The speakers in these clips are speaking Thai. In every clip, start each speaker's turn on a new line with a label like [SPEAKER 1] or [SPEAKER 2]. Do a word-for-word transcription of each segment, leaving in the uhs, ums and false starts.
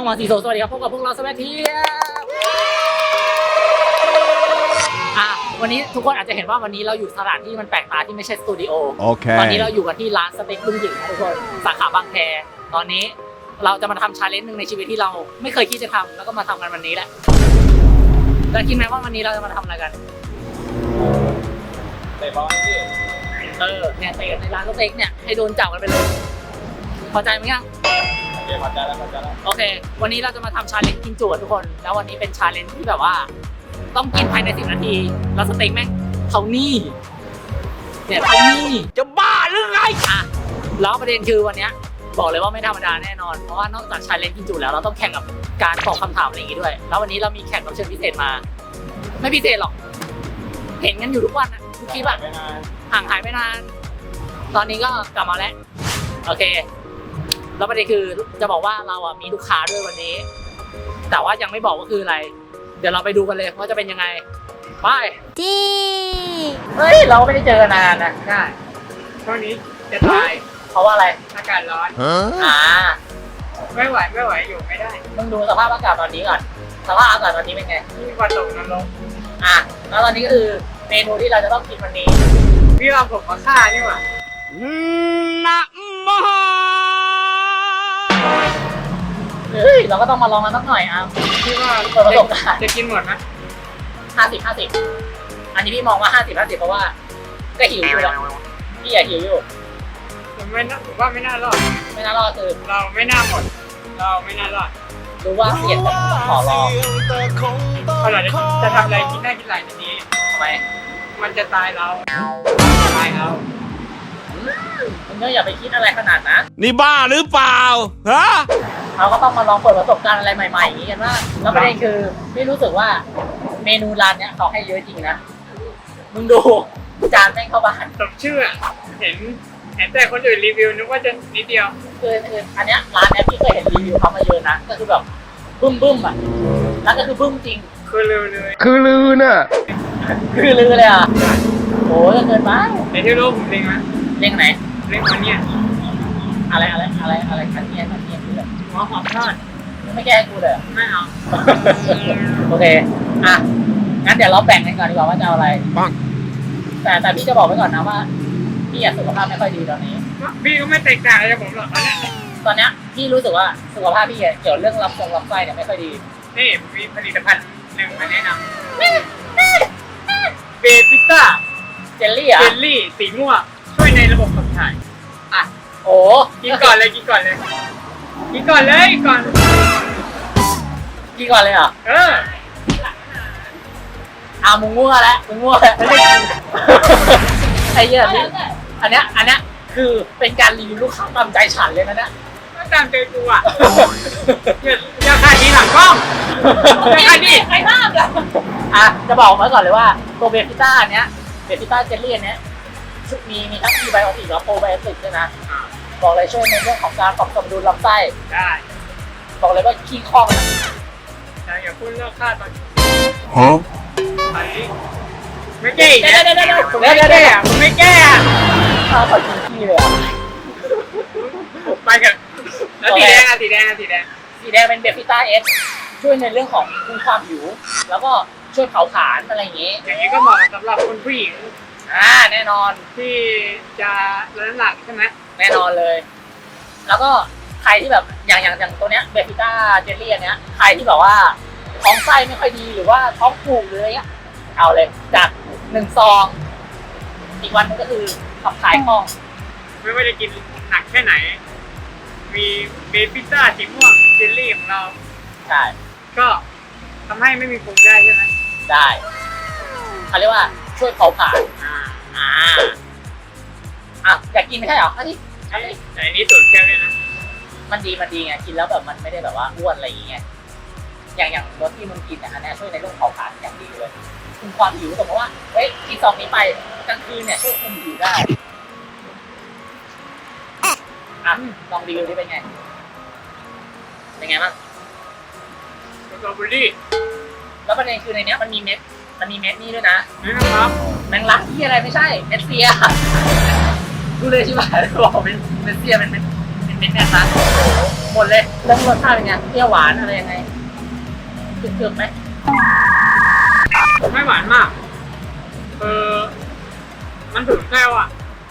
[SPEAKER 1] องมาซีโซสวัสดีครับพบกับพวกเราสวัสดีอ่ะวันนี้ทุกคนอาจจะเห็นว่าวันนี้เราอยู่สถานที่มันแปลกตาที่ไม่ใช่สตูดิโอโอเคตอนนี้เราอยู่กันที่ร้านสเต็กลุงหญิงนะทุกคนสาขาบางแคตอนนี้เราจะมาทำชาเลนจ์หนึ่งในชีวิตที่เราไม่เคยคิดจะทำแล้วก็มาทำกันวันนี้แหละแล้วคิดไหมว่าวันนี้เราจะมาทำอะไรกัน
[SPEAKER 2] เตะบอลที่
[SPEAKER 1] เออเนี่ยเตะในร้านสเต็กเนี่ยให้โดนจับกันไปเลยพอใจไหมยัง
[SPEAKER 2] โอเคพอใจแล้วพอใจแล้ว
[SPEAKER 1] โอเควันนี้เราจะมาทำชาเลนจ์กินจุทุกคนแล้ววันนี้เป็นชาเลนจ์ที่แบบว่าต้องกินภายในสิบนาทีแล้วสเต็กแม่งเท่านี้เนี่ยเท่านี้จะบ้าหรือไงอ่ะแล้วประเด็นคือวันนี้บอกเลยว่าไม่ธรรมดาแน่นอนเพราะว่านอกจากชาเลนจ์กินจุแล้วเราต้องแข่งกับการตอบคำถามอะไรอย่างงี้ด้วยแล้ววันนี้เรามีแขกรับเชิญพิเศษมาไม่พิเศษหรอกเห็นกันอยู่ทุกวันนะทุกคลิปอะห่างหายไปนานตอนนี้ก็กลับมาแล้วโอเคแล้วประเด็นคือจะบอกว่าเราอ่ะมีลูกค้าด้วยวันนี้แต่ว่ายังไม่บอกว่าคืออะไรเดี๋ยวเราไปดูกันเลยว่าจะเป็นยังไงไปจีเฮ้ยเราไม่ได้เจอกันนานนะใช่
[SPEAKER 2] ช่วงนี้จะตาย
[SPEAKER 1] เพราะว่าอะไร
[SPEAKER 2] อากาศร้อน
[SPEAKER 1] อ่า
[SPEAKER 2] ไม่ไหวไม่ไหวอยู่ไม่ได้
[SPEAKER 1] มึงดูสภาพอากาศตอนนี้ก่อนสภาพอากาศตอนนี้เป็นไง
[SPEAKER 2] มีวันตกนรก
[SPEAKER 1] อ่ะแล้วตอนนี้ก็คือเมนูที่เราจะต้องกินวันนี้
[SPEAKER 2] พี่เอาผมมาฆ่านี่หว่า
[SPEAKER 1] นะมะเฮ้ยเราก็ต้องมาลองกันสักหน่อยอ่ะ
[SPEAKER 2] พี่ว่า
[SPEAKER 1] เปิดประสบการณ์
[SPEAKER 2] จะกินหมดไหม
[SPEAKER 1] ห้าสิบห้าสิบอันนี้พี่มองว่าห้าสิบห้าสิบเพราะว่าก็หิวอยู่แล้วพี่อยากหิวอยู่
[SPEAKER 2] ผมไม่น่าผมว่าไม่น่ารอด
[SPEAKER 1] ไม่น่ารอดคือ
[SPEAKER 2] เราไม่น่าหมดเราไม่น่ารอด
[SPEAKER 1] รู้ว่าเสี่ยงแต่ขอรอ
[SPEAKER 2] เขาเราจะทำอะไรกินได้กินหลายในนี้
[SPEAKER 1] ทำไม
[SPEAKER 2] มันจะตายเราตายเรา
[SPEAKER 1] มึงก็อย่าไปคิดอะไรขนาดนั้น
[SPEAKER 3] นี่บ้าหรือเปล่าฮะ
[SPEAKER 1] เราก็ต้องมาลองเปิดประสบการณ์อะไรใหม่ๆอย่างนี้กันว่าแล้วประเด็นคือไม่รู้สึกว่าเมนูร้านเนี้ยเขาให้เยอะจริงนะมึงดูจานแม่งเข้าบ้าน
[SPEAKER 2] สมชื่อเห็นเห็นแต่คนอื่นรีวิวนึกว่าจะนิดเดียว
[SPEAKER 1] คือคืออันเนี้ยร้านเนี้ยพี่เคยเห็นรีวิวเขามาเยอะนะก็คือแบบบึ้มบึ้มอ่ะแล้วก็คือบึ้มจริง
[SPEAKER 2] คือลือเลย
[SPEAKER 3] คือลือน่ะ
[SPEAKER 1] คือลือเลยอ่ะโอ้ยเกินไป
[SPEAKER 2] ในที่รู้ผมเล็งไหม
[SPEAKER 1] เล็งไหน
[SPEAKER 2] เล็งมันเนี่ย
[SPEAKER 1] อะไรอะไรอะไรอะไรคันเนียนคันเนียนคือแบบหอมหอมทอดไม่แก้กูเลย
[SPEAKER 2] ไม่เอา
[SPEAKER 1] โอเคอ่ะงั้นเดี๋ยวเราแบ่งกันก่อนดีกว่าว่าจะเอาอะไร
[SPEAKER 3] ปัง
[SPEAKER 1] แต่แต่พี่จะบอกไว้ก่อนนะว่าพี่อยากสุขภาพไม่ค่อยดีตอนนี้
[SPEAKER 2] พี่ก็ไม่แตกต่างจากผมหรอก
[SPEAKER 1] ตอนเนี้ยพี่รู้สึกว่าสุขภาพพี่เกี่ยวเรื่องลำทรงลำไส้เนี่ยไม่ค่อยดี
[SPEAKER 2] นี่มีผลิตภัณฑ์หนึ่งมาแนะนำเบฟิต้า
[SPEAKER 1] เจลลี่อ่ะ
[SPEAKER 2] เจลลี่สีม่วงช่วยในระบบขับถ่ายอ่ะ
[SPEAKER 1] โอ้
[SPEAKER 2] กินก่อนเลยกินก่อนเลยกินก่อนเลยก่อน
[SPEAKER 1] กินก่อนเลยเหรอ
[SPEAKER 2] เออ
[SPEAKER 1] อ่ะมึงมั่วแล้วมึงมั่วแล้วไอ้เหี้ยนี่อันเนี้ยอันเนี้ยคือเป็นการรีวิวลูกค้าตามใจฉันเลยนะเนี่ย
[SPEAKER 2] ไม่ตามใจกูอ่ะอย่าขายดีหลังกล้องอย่าขายดี
[SPEAKER 1] ใครห้ามเลยอ่ะจะบอกมาก่อนเลยว่าตัวเบฟิต้าเนี้ยเบฟิต้าเจลลี่เนี้ยมีมีทั้งพรีไบโอติกและโปรไบโอติกด้วยนะบอกเลยช่วยในเรื่องของการปรับสมดุลลำไส้
[SPEAKER 2] ได้
[SPEAKER 1] บอกเลยว่าขี้ข้องนะ
[SPEAKER 2] อย่าพูดเรื่องค่าตอน
[SPEAKER 3] ฮะ
[SPEAKER 2] ไม่แก้
[SPEAKER 1] เดี๋ยวเดี๋ยวเดี๋ยว
[SPEAKER 2] ผมไม่แก้อะผมไม่แก้อะ
[SPEAKER 1] ข้าขอกินขี้เลย
[SPEAKER 2] ไปกันแล้วสีแดงอะสีแดงอะสีแดง
[SPEAKER 1] สีแดงเป็นเบฟิต้าเอสช่วยในเรื่องของคุมความหิวแล้วก็ช่วยเผาผลาญอะไรอย่างงี้
[SPEAKER 2] อย่างนี้ก็เหมาะสำหรับคนผู้หญิง
[SPEAKER 1] อ่าแน่นอน
[SPEAKER 2] ที่จะลดน้ำหนักใช่ไหม
[SPEAKER 1] แน่นอนเลยแล้วก็ใครที่แบบอย่างอย่างอย่างตัวเนี้ยเบฟิต้าเจลลี่อันเนี้ยใครที่แบบว่าท้องไส้ไม่ค่อยดีหรือว่าท้องผูกหรืออะไรเงี้ยเอาเลยจัดหนึ่งซองอีกวันนึงก็คือขับถ่ายคล่อง
[SPEAKER 2] ไม่ว่าจะกินหนักแค่ไหนมีเบฟิต้าสีม่วงเจลลี่ของเรา
[SPEAKER 1] ใช่
[SPEAKER 2] ก็ทำให้ไม่มีภูมิได้ใช่ไหม
[SPEAKER 1] ได้เขาเรียกว่าช่วยเผาผลาญอ่าอ่าอ่ะอยากกินไม่ใช่เหรออันนี้
[SPEAKER 2] อันนี้แต่อันนี้สูตรแค่นี้นะ
[SPEAKER 1] มันดีมันดีไงกินแล้วแบบมันไม่ได้แบบว่าอ้วนอะไรอย่างเงี้ยอย่างอย่างรสที่มึงกินเนี่ยอันนี้ช่วยในเรื่องเผาผลาญอย่างดีเลยคุมความหิวสมมติว่าเฮ้ยกินซองนี้ไปกลางคืนเนี่ยช่วยคุมหิวได้อ่ะลองรีวิวดิเป็นไงเป็นไงบ้าง
[SPEAKER 2] สตรอเบอรี่
[SPEAKER 1] แล้วประเด็นคือในนี้มันมีเม็ดมันมีเม็ดนี่ด้วยนะ
[SPEAKER 2] นี่นะครับ
[SPEAKER 1] แมงลักที่อะไรไม่ใช่เม็ดเซียดูเลยใช่ไหมบอกเป็นเม็ดเซียเป็นเม็ดเป็นเเป็นแบบนั้นหมดเลยแล้วรสชาติเป็นไงเปรี้ยวหวานอะไรยังไงเกือบๆไหม
[SPEAKER 2] ไม่หวานมากเออมันถึงแก้วอ่ะ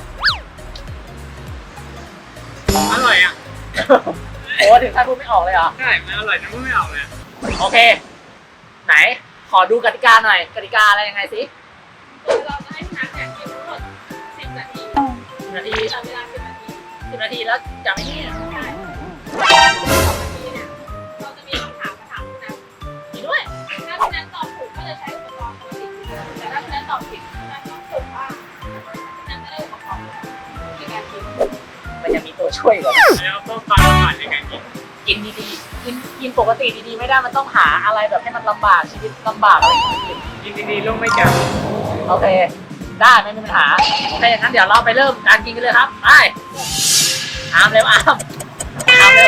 [SPEAKER 2] อร่อยอ่ะ
[SPEAKER 1] โอ้ถึงท่านพูดไม่ออกเลยเหรอ
[SPEAKER 2] ใช่มันอร่อยจนพูดไม่ออกเลย
[SPEAKER 1] โอเค ไหนขอดูกติกาหน่อยกติกาอะไรยังไงสิ
[SPEAKER 4] เราจะให้พี่นัทเนี่ยกินทั้งหมดสิบนาที
[SPEAKER 1] สิบนาที
[SPEAKER 4] ตามเวลาสิบนาที
[SPEAKER 1] สิบนาทีแล้วจากนี้
[SPEAKER 4] ใช่สองนาทีเนี่ยเราจะมีคำถามมาถามพี่นัท
[SPEAKER 1] มีด้วย
[SPEAKER 4] ถ้าพี่นัทตอบถูกก็จะใช้อุปกรณ์ปกติแต่ถ้าพี่นัทตอบผิดพี่นัทต้องถูกว่าพี่นัทจะได้อุปกรณ์ในการกิน
[SPEAKER 1] มันยังมีตัวช่วยก่อน
[SPEAKER 2] แล้วเพิ่มความหวานในการกิน
[SPEAKER 1] กินดีๆกินกินปกติดีๆไม่ได้มันต้องหาอะไรแบบให้มันลำบากชีวิตลำบากอะไรอย่างเงี้ย
[SPEAKER 2] กินดีๆลงไม่จับ
[SPEAKER 1] โอเค ได้ไม่มีปัญหาโอเคงั้นเดี๋ยวเราไปเริ่มการกินกันเลยครับไปอามเร็วอามอามเร็ว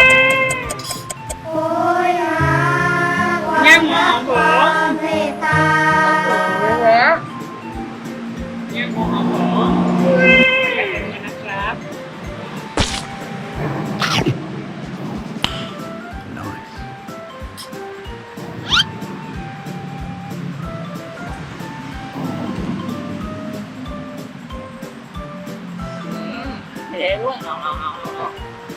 [SPEAKER 2] แง่หมูหอมหมู
[SPEAKER 1] เร็ว
[SPEAKER 2] แง่หมูหอมหมูนะครับ
[SPEAKER 1] เทด้วยเอาเอาเอาเอา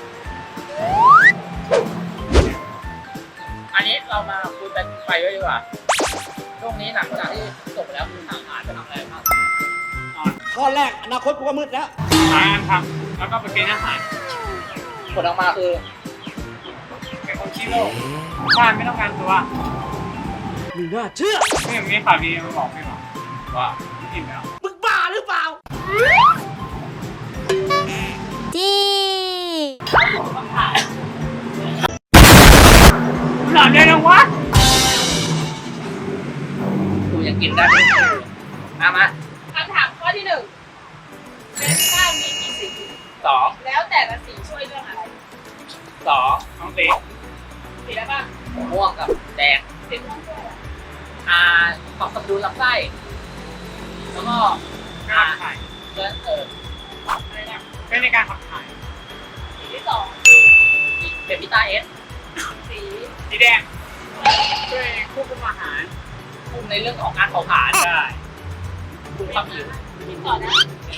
[SPEAKER 1] อันนี้เรามาคุยกันไปด้วยดีกว่าช่วงนี้หลังจากที่จบไปแล้วคุณทางอ่านจะทำอะไรบ้าง
[SPEAKER 5] ข้อแรกอนาคตกูก็มืดแล้ว
[SPEAKER 2] ทานทำแล้วก็ไปกินอาหาร
[SPEAKER 1] ผลออกมาคือ
[SPEAKER 2] เป็นคนขี้โลกบ้านไม่ต้องการตัว
[SPEAKER 5] มีน่าเชื่อ
[SPEAKER 2] ไม่อย่างนี้ข่าวดีมาบอกพี่หรอว่ากินแล้ว
[SPEAKER 5] มึงบ้าหรือเปล่า
[SPEAKER 2] หลับได้แล้ววะ
[SPEAKER 1] กูยังกินได้ไหมมามา
[SPEAKER 4] คำถามข้อที่หนึ่งเบต้ามีกี่สี
[SPEAKER 1] สอง
[SPEAKER 4] แล้วแต่ละสีช่วยเรื่องอะไร
[SPEAKER 1] สอง
[SPEAKER 2] น้องตี
[SPEAKER 4] สีอะไรบ้าง
[SPEAKER 1] ม่วงกับแดง
[SPEAKER 4] สีม่วงด้วย
[SPEAKER 1] อ่าปรับสมดุลลำไส้แล้วก็
[SPEAKER 2] การขับถ่าย
[SPEAKER 1] เลือดเออ
[SPEAKER 4] อะไรนะ
[SPEAKER 2] เป็นในการขับถ่าย
[SPEAKER 4] สีที่สอง
[SPEAKER 1] เบบิต้าเอส
[SPEAKER 4] สี
[SPEAKER 2] สีแดงช่วยควบคุมอาหาร
[SPEAKER 1] คุมในเรื่องของการเผาผลาญ
[SPEAKER 2] ได้
[SPEAKER 1] คุมความหิว
[SPEAKER 4] สีต่อนะ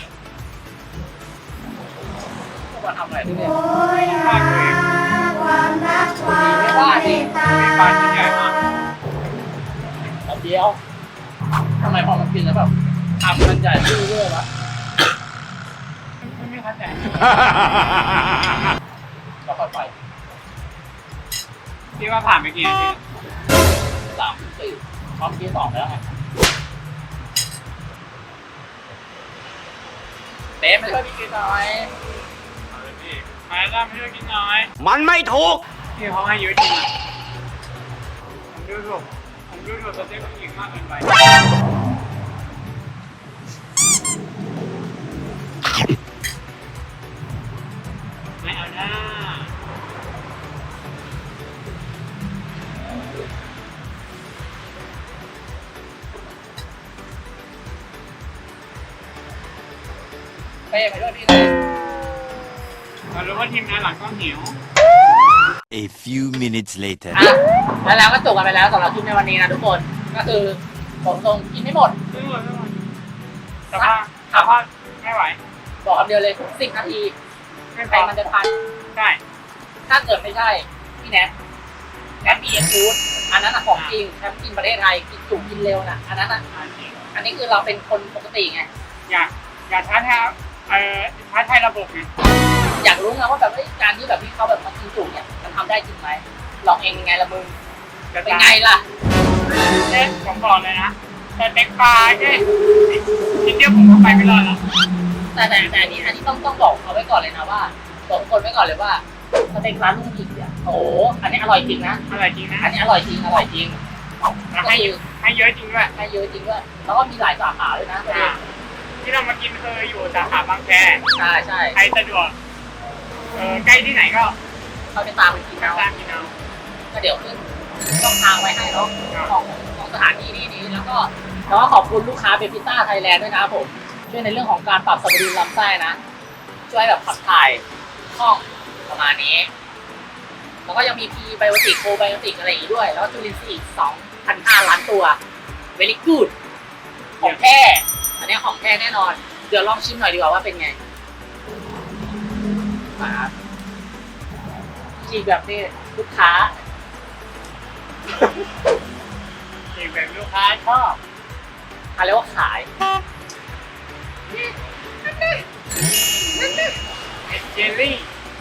[SPEAKER 1] พวกเราทำอะไรที่เนี่ย
[SPEAKER 2] ภาคเลย
[SPEAKER 1] ไม่ว่าดิ
[SPEAKER 2] มีปลาชิ้นใหญ่มาก
[SPEAKER 1] แบบเดียวทำไมพอมันกินแล้วแบบทำมันใหญ่ดื้อเรื่อยวะ
[SPEAKER 2] ไม่ไม่เข้าใจ
[SPEAKER 1] ก็ค่อยไป
[SPEAKER 2] พี่ว่าผ่านไปกี่นาที
[SPEAKER 1] สามสี่พร้อมที่สองแล้วไงเต๊ะไม่ช่วยพี่กินหน่อย
[SPEAKER 2] เอาเลยพี่มาแล้วไม่ช่วยกินน้อย
[SPEAKER 5] มันไม่ถูก
[SPEAKER 2] พี่เขาให้เยอะจริงอ่ะผมดูถูกผมดูถูกสเต็ปผู้หญิงมากเกินไปไม่เอาหน้า
[SPEAKER 1] เต้ไปด้วยพี่เลย
[SPEAKER 2] เรารู้ว่าทีมงานหลังต้องหิว
[SPEAKER 3] A few minutes later.
[SPEAKER 1] อ่ะแล้วแล้วก็จบกันไปแล้วสำหรับคลิปในวันนี้นะทุกคน ก็คือผมตรงกินไม่หมด
[SPEAKER 2] ไม่หมดไม่หมดแต่ว่าแต่ว่าไม่ไหว
[SPEAKER 1] บอกคำเดียวเลยสิบนาที
[SPEAKER 2] ไม่พ
[SPEAKER 1] ใคร
[SPEAKER 2] อ
[SPEAKER 1] มันจะทัน
[SPEAKER 2] ใช่
[SPEAKER 1] ถ้าเกิดไม่ใช่ พี่แนทแนทบีเอ็นฟูดอันนั้นอะของจริงแชมป์กินประเทศไทยกินจุกินเร็วน่ะ อันนั้นอะอันนี้คือเราเป็นคนปกติไง
[SPEAKER 2] อยากอยากท้าทายเอ่อท้าทายระบบไง
[SPEAKER 1] อยากรู้ไงว่าแบบเอ้ยการที่แบบที่เขาแบบมากินจุเนี่ยมันทำได้จริงไหมลองเองยังไงละมึง
[SPEAKER 2] จะ
[SPEAKER 1] เป็นไงล่ะ
[SPEAKER 2] เอ๊ะผมบอกเลยนะแต่เต็กปลาแค่นิดเดียวผมก็ไปไม่รอดแล้ว
[SPEAKER 1] แต่แต่แต่อันนี้อันนี้ต้องต้องบอกเขาไว้ก่อนเลยนะว่าบอกทุกคนไว้ก่อนเลยว่าสเต็กร้านลุงหยิกเนี่ยโอ้โหอันนี้อร่อยจริงนะ
[SPEAKER 2] อร่อยจริงนะ
[SPEAKER 1] อันนี้อร่อยจริงอร่อยจริง
[SPEAKER 2] แล้วให้เยอะให้เยอะจริงด้วย
[SPEAKER 1] ให้เยอะจริงด้วยแล้วก็มีหลายสาขาด้วยนะประเด็
[SPEAKER 2] อ่าน ที่เรามากินคืออยู่สาขาบางแค
[SPEAKER 1] ใช่ใช่
[SPEAKER 2] ใครสะดวกเออใกล้ที่ไหนก็
[SPEAKER 1] เขาจะตามไปกิน
[SPEAKER 2] ตา
[SPEAKER 1] เอา
[SPEAKER 2] มกินเอา
[SPEAKER 1] ก็เดี๋ยวขึ้นช่องทางไว้ให้เนาะของของสถานที่นี้นี้แล้วก็แล้วก็ขอบคุณลูกค้าเบบิต้าไทยแลนด์ด้วยนะครับผมช่วยในเรื่องของการปรับสมดุลลำไส้นะช่วยแบบขับถ่ายคล่องประมาณนี้แล้วก็ยังมีพีไบโอติกโคไบโอติกอะไรอีกด้วยแล้วก็จุลินทรีย์อีกสองพันห้าล้านตัว very good ของแท้อันนี้ของแท้แน่นอนเดี๋ยวลองชิมหน่อยดีกว่าว่าเป็นไงมาจีบแบบนี้ลูกค้า
[SPEAKER 2] จีบแบบลูกค้าชอบ
[SPEAKER 1] เขาเรียกว่าขาย
[SPEAKER 2] เอเจลลี่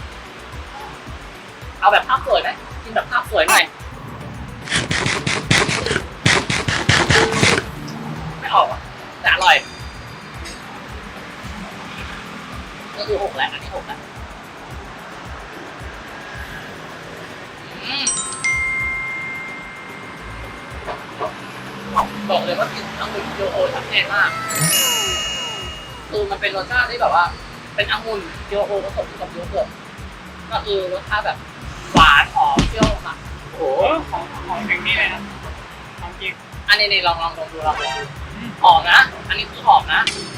[SPEAKER 1] เอาแบบภาพสวยไหมกินแบบภาพสวยหน่อยไม่ออกอ่ะแต่อร่อยก็คือหกแหละอันนี้หกแหละอืมบอกเลยว่ากินองุ่นโยโอชัดเจนมากคือมันเป็นรสชาติที่แบบว่า เป็นองุ่นโยโอผสมกับโยเกิร์ตก็คือรสชาติแบบหวานหอมเปรี้ยวมากโอ้โห
[SPEAKER 2] โอ้ของของถึงนี่เลยนะของจริง
[SPEAKER 1] อันนี้นี่ลองลองลองดูลองดูหอมนะ อันนี้คือหอมนะ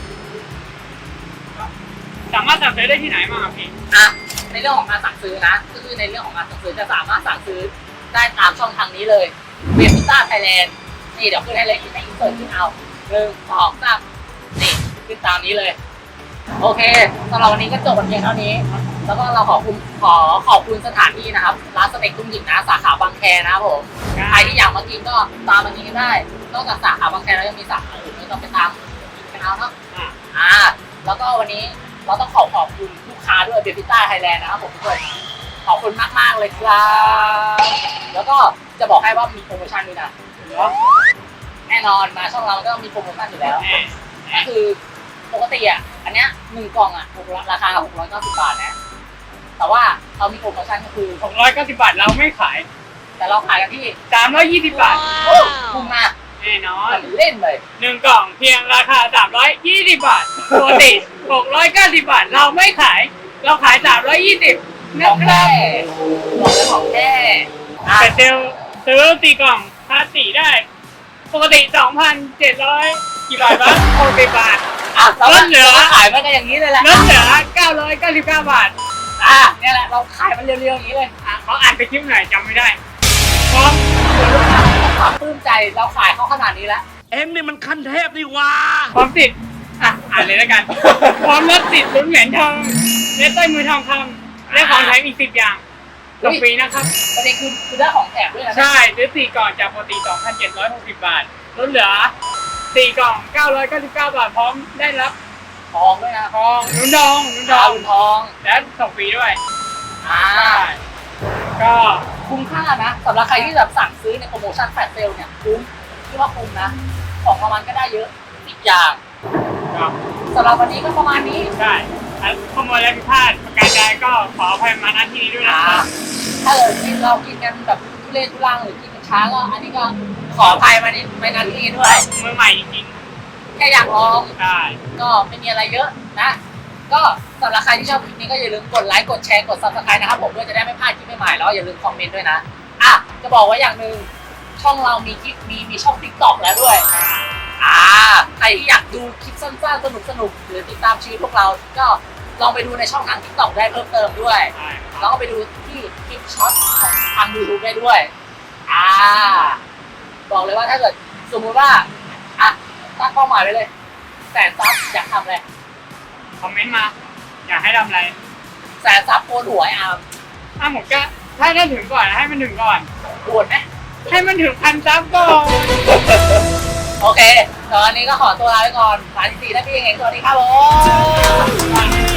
[SPEAKER 2] สามารถสั่งซื้อได้ที่ไหนบ้างครับพี่
[SPEAKER 1] อ่ะในเรื่องของการสั่งซื้อนะก็คือในเรื่องของการสั่งซื้อจะสามารถสั่งซื้อได้ตามช่องทางนี้เลยเวียพิซซ่าไทยแลนด์นี่เดี๋ยวขึ้นให้เลยในอินเสิร์ตขึ้นเอาหนึ่งสองสามนี่ขึ้นตามนี้เลย โอเคสำหรับวันนี้ก็จบกันเพียงเท่านี้ แล้วก็เราขอบคุณขอขอบคุณสถานที่นะครับร้านสเต็กตุ้มหยิบนะสาขาบางแคนะครับผมใครที่อยากมากินก็ตามมากินกันได้นอกจากสาขาบางแคแล้วยังมีสาขาอื่นไม่ต้องไปตามกินกันเอาเนาะ
[SPEAKER 2] อ่า
[SPEAKER 1] อ่าแล้วก็วันนี้เราต้องขอขอบคุณลูกค้าด้วยเบบิต้าไทยแลนด์นะครับผมทุกคนขอบคุณมากๆเลยครับแล้วก็จะบอกให้ว่ามีโปรโมชั่นด้วยนะแน่นอนมาช่องเราก็มีโปรโมชั่นอยู่แล้ว
[SPEAKER 2] แน่
[SPEAKER 1] ก็คือปกติอ่ะอันเนี้ยหนึ่งกล่องอ่ะราคาหกร้อยเก้าสิบบาทนะแต่ว่าเรามีโปรโมชั่นก็คือ
[SPEAKER 2] หกร้อยเก้าสิบบาทเราไม่ขาย
[SPEAKER 1] แต่เราขายกันที่
[SPEAKER 2] สามร้อยยี่สิบบาท
[SPEAKER 1] โอ้คุ้มมาก
[SPEAKER 2] แน่นอน
[SPEAKER 1] มันเล่นเลย
[SPEAKER 2] หนึ่งกล่องเพียงราคาสามร้อยยี่สิบบาทปกติหกร้อยเก้าสิบบาทเราไม่ขาย เราขายสามร้อยยี่สิบ
[SPEAKER 1] ข
[SPEAKER 2] นะ
[SPEAKER 1] อง
[SPEAKER 2] ค
[SPEAKER 1] แท้
[SPEAKER 2] รับ
[SPEAKER 1] บอกเลยของแท้อ่ะ
[SPEAKER 2] แต่เซลล์ซื้อสี่กล่องพาสี่ได้ ปกติสองพันเจ็ดร้อยกี่บาทวะหกสิบบาท
[SPEAKER 1] อ่ะเรา
[SPEAKER 2] ลดเหลือ
[SPEAKER 1] เราขายมันกันอย่างนี้เลยแหละ
[SPEAKER 2] ลดเหลือเก้าร้อยเก้าสิบเก้าบาท
[SPEAKER 1] อ่ะเนี่ยแหละเราขายมันเรียวๆอย่างนี้เลย
[SPEAKER 2] อ่ะเขาอ่านไปคลิปไหนจำไม่ได้พร้อม
[SPEAKER 1] ความปลื้มใจเราขายเขาขนาดนี้แล้ว
[SPEAKER 5] เอ็งนี่มันขั้นเทพนี่หว่า
[SPEAKER 2] พร้อมติดอ่ะอ่านเลยแล้วกัน พร้อมรถติดลุ้นเหรียญทองและต้อยมือทองคำและของแถมอีกสิบอย่างต่อปีนะครับ
[SPEAKER 1] ประเด็นคือคือได้ของแถมด้วยนะ
[SPEAKER 2] ใช่ซื้อสี่กล่องจากปกติ สองพันเจ็ดร้อยหกสิบบาทลดเหลือสี่กล่อง เก้าร้อยเก้าสิบเก้าบาทพร้อมได้รับ
[SPEAKER 1] ทองด้วยนะ
[SPEAKER 2] ทองนุ่นดองนุ่นด
[SPEAKER 1] ดา
[SPEAKER 2] อ
[SPEAKER 1] ว
[SPEAKER 2] ง
[SPEAKER 1] ทอง
[SPEAKER 2] และส่งฟรีด้วย
[SPEAKER 1] อ่า
[SPEAKER 2] ใช่ก็
[SPEAKER 1] คุ้มค่านะสำหรับใครที่แบบสั่งซื้อในโปรโมชั่นแฟลชเซลเนี่ยคุ้มที่ว่าคุ้มนะ ของรางวัลก็ได้เยอะอีกอย่าง
[SPEAKER 2] ก็
[SPEAKER 1] สำหรับวันนี้ก็ประมาณนี้
[SPEAKER 2] ใช่อ่ะขโมยอะไรผิดพลาดประการใดก็ขออภัยมาณที่นี้ด้วยนะ
[SPEAKER 1] อ่า
[SPEAKER 2] ครับ
[SPEAKER 1] ถ้าเกิดที่เรากินกันแบบทุเรศทุรังหรือกินกันช้าก็อันนี้ก็ขออภัยมานิดไปนาทีด้วย
[SPEAKER 2] มือใหม่จริง
[SPEAKER 1] แค่อยากลอง
[SPEAKER 2] ๆใช่
[SPEAKER 1] ก็ไม่มีอะไรเยอะนะ ก็สำหรับใครที่ชอบคลิปนี้ก็อย่าลืมกดไลค์กดแชร์กด ซับสไครบ์ นะครับผมเพื่อจะได้ไม่พลาดคลิปใหม่ๆแล้วอย่าลืมคอมเมนต์ด้วยนะอ่ะจะบอกไว้อย่างหนึ่งช่องเรามีคลิปมีมีช่อง ติ๊กต็อก แล้วด้วยอ่าใครที่อยากดูคลิปสั้นๆสนุกๆหรือติดตามชีวิตพวกเราก็ลองไปดูในช่องทาง ติ๊กต็อก ได้เพิ่มเติมด้วย
[SPEAKER 2] ใช่
[SPEAKER 1] แล้วก็ไปดูที่คลิปช็อตของทาง ยูทูบ ได้ด้วยอ่าบอกเลยว่าถ้าเกิดสมมุติว่าอ่ะตั้งเป้าหมายไว้เลยแสนซับอยากทำอะไร
[SPEAKER 2] คอมเมนต์มา อยากให้ทำอะไร
[SPEAKER 1] แสนซับโกนหัวไอ้อาร์ม
[SPEAKER 2] ถ้าผมก็ถ้าได้ถึงก่อนให้มันถึงก่อน
[SPEAKER 1] ปวดไหม
[SPEAKER 2] ให้มันถึงพันซับก่อน
[SPEAKER 1] โอเคตอนนี้ก็ขอตัวลาไปก่อนสายที่สี่ได้พี่เองสวัสดีครับผม
[SPEAKER 2] ก่อน